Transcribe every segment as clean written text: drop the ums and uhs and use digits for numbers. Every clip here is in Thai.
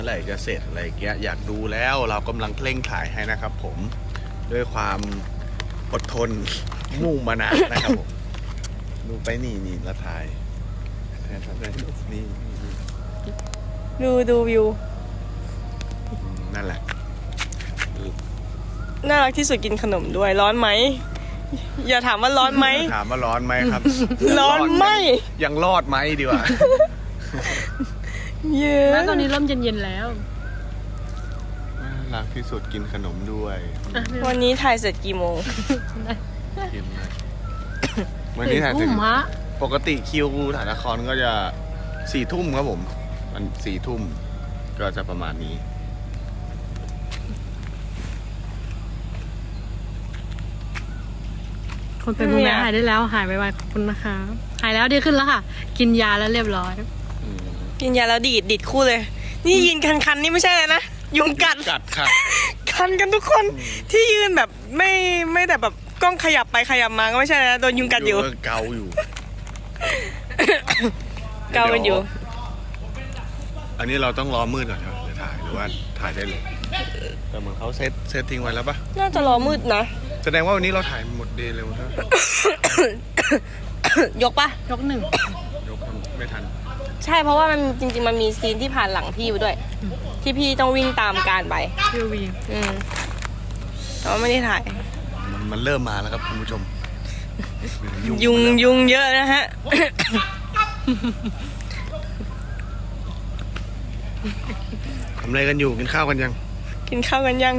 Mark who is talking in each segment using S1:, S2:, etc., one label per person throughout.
S1: เมื่อไหร่จะเสร็จอะไรเงี้ยอยากดูแล้วเรากำลังเร่งถ่ายให้นะครับผมด้วยความอดทนมุ่งมานะนะครับผมดูไปนี่ละถ่ายนี่
S2: ดูวิว
S1: นั่นแหละ
S2: น่ารักที่สุดกินขนมด้วยร้อนไหมอย่าถามว่าร้อนไหม
S1: ถามว่าร้อนไหมครับ
S2: ร้อนไหม
S1: ยังรอดไหมดีกว่า
S2: เยอะ
S3: แล้วตอนนี้เริ่มเย็นๆแล้ว
S1: น่ารักที่สุดกินขนมด้วย
S2: วันนี้ถ่ายเสร็จกี่โมง
S1: กินเลยวันนี้ถ่าย
S3: ทุ่
S1: ถึ
S3: ม
S1: ง
S3: ฮะ
S1: ปกติคิวถ่ายละครก็จะ4 ทุ่มครับผมมัน4 ทุ่มก็จะประมาณนี้
S3: คนเป็นภูมิแพ้หายได้แล้วหายไวๆขอบคุณนะคะหายแล้วดีขึ้นแล้วค่ะ กินยาแล้วเรียบร้อย
S2: กินยาแล้วดีดคู่เลย นี่ยืนคันๆนี่ไม่ใช่เลยนะ ยุงกัด
S1: กัดค่ะ
S2: คันกันทุกคน ที่ยืนแบบไม่แต่แบบกล้องขยับไปขยับมาก็ไม่ใช่นะโดนยุงกัดอยู่
S1: เกาอยู่
S2: เกากันอยู่
S1: อันนี้เราต้องรอมืดก่อนครับจะถ่ายหรือว่าถ่ายได้เลยแต่เหมือนเขาเซตทิ้งไว้แล้วปะ
S2: น่าจะรอมืดนะ
S1: แสดงว่าวันนี้เราถ่ายหมดเดย์เร็วใช่ไหม
S2: ยกปะ
S3: ยกหนึ่ง
S1: ยกไม่ทัน
S2: ใช่เพราะว่ามันจริงๆมันมีซีนที่ผ่านหลังพี่ไปด้วย ที่พี่ต้องวิ่งตามการไป
S3: วิววี
S2: แต่ว่าไม่ได้ถ่าย
S1: มันเริ่มมาแล้วครับคุณผู้ชม
S2: ยุงเยอะนะฮะ
S1: ทำอะไรกันอยู่กินข้าวกันยัง
S2: กินข้าวกันยัง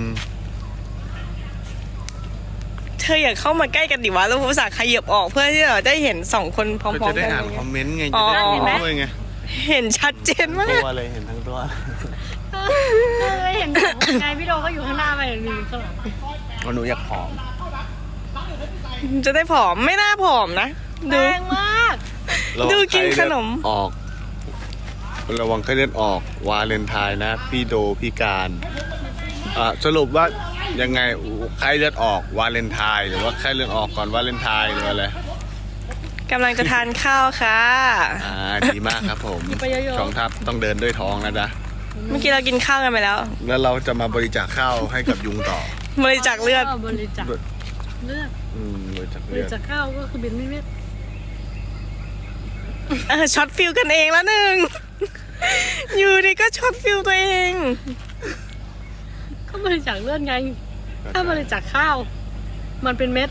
S2: เธออยากเข้ามาใกล้กันดิวะแล้วภาษาขยับออกเพื่อที่เราได้เห็น2 คนพร้อ
S1: ก็
S2: ม
S1: จะ
S2: ๆ
S1: ได้
S2: กัน
S1: อ่านคอมเมนต์ไง
S2: อ๋
S1: จะ
S2: อ
S1: ได้ดูด้วยไง
S2: เห็นชัดเจนมา
S1: ตั
S2: ก
S1: วเลยเห็นทั้งตัว
S3: ไม่เห็นไงพี่โดก็อยู่ข้างหน้าไปมีข้างหลัง
S1: ก็หนูอยากผอม
S2: จะได้ผอมไม่น่าผอมนะ
S3: แร
S2: ดู
S3: งมาก
S2: ดูกินขนม
S1: ออกระวังไข้เลือดออกวาเลนไทน์นะพี่โดพี่การสรุปว่ายังไงไข้เลือดออกวาเลนไทน์หรือว่าไข้เลือดออกก่อนวาเลนไทน์หรืออะไร
S2: กำลังจะทานข้าวค่ะ
S1: ดีมากครับผม
S3: ไปเยอะๆ
S1: ช่องทัพต้องเดินด้วยท้องนะจ๊ะ
S2: เมื่อกี้เรากินข้าวกันไปแล้ว
S1: แล้วเราจะมาบริจาคข้าวให้กับยุงต่อบ
S2: ริจาคเลือด
S3: บริจาคเลือด
S1: บริจาค
S3: บ
S1: เลื
S3: ริ
S1: อด
S3: จาคข้าวก็คือบินไม่เม็ด
S2: ช็อตฟิลกันเองแล้วหนึ่ง อยู่ดีก็ช็อตฟิลตัวเอง
S3: ก็บริจาคเลือดไง ถ้าบริจาคข้าว มันเป็นเม็ด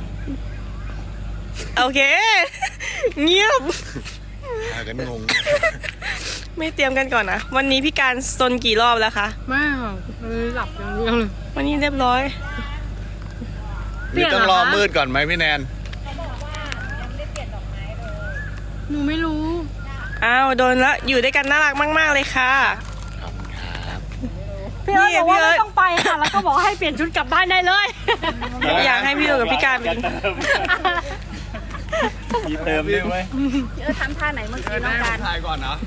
S2: โอเค เงียบ
S1: พากันงง
S2: ไม่เตรียมกันก่อนนะ วันนี้พี่การซนกี่รอบแล้วคะ
S3: ไม่ค่ะเลยหลับอย่างเดียวเลย
S2: วันนี้เรียบร้อย
S1: นี่ต้องรอมืดก่อนไหมพี่แนน
S3: หนูไม่รู้
S2: อ้าวโดนละอยู่ด้วยกันน่ารักมากๆเลยค่ะ
S1: ขอบคุณครับ
S3: พี่เอิร์ธบอกว่า
S2: พี่เอิร์ธ
S3: ไม่ต้องไปค่ะ แล้วก็บอกให้เปลี่ยนชุดกลับบ้านได้เลย
S2: อยากให้พี่โดกับพี่การเป็น
S1: มีเติมด้วยไหม
S4: ทำท่าไหนเมื่อกี้น้องการ
S1: ถ่ายก่อนเนาะ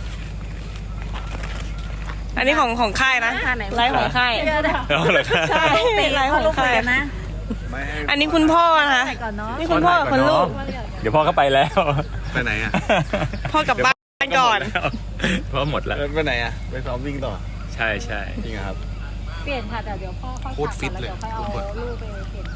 S2: อันนี้ของค่ายนะ
S4: ท่าไหน
S2: ไลฟ์ของค่าย ใช่ไลฟ์ของค่าย
S4: นะ
S1: ไม่ให้
S2: อันนี้คุณพ่อนะคะ
S4: ก่อนเนาะ
S2: นี่คุณพ่อกับคุณลูก
S5: เดี๋ยวพ่อก็ไปแล้ว
S1: ไปไหนอ่ะ
S2: พ่อกลับบ้านก่อน
S5: พ่อหมดแล้ว
S1: ไปไหนอ่ะ ไปซ้อมวิ่งต่อ
S5: ใช่ใช่
S1: จริงเหรอครับ
S4: เปลี่ยนค่ะแต่เดี๋ยวพ่อค่อย
S1: โคตรฟิตเลย
S4: กลับก่อนแล้วเดี๋ยวค่อยเอาลูกไปเปลี่ยน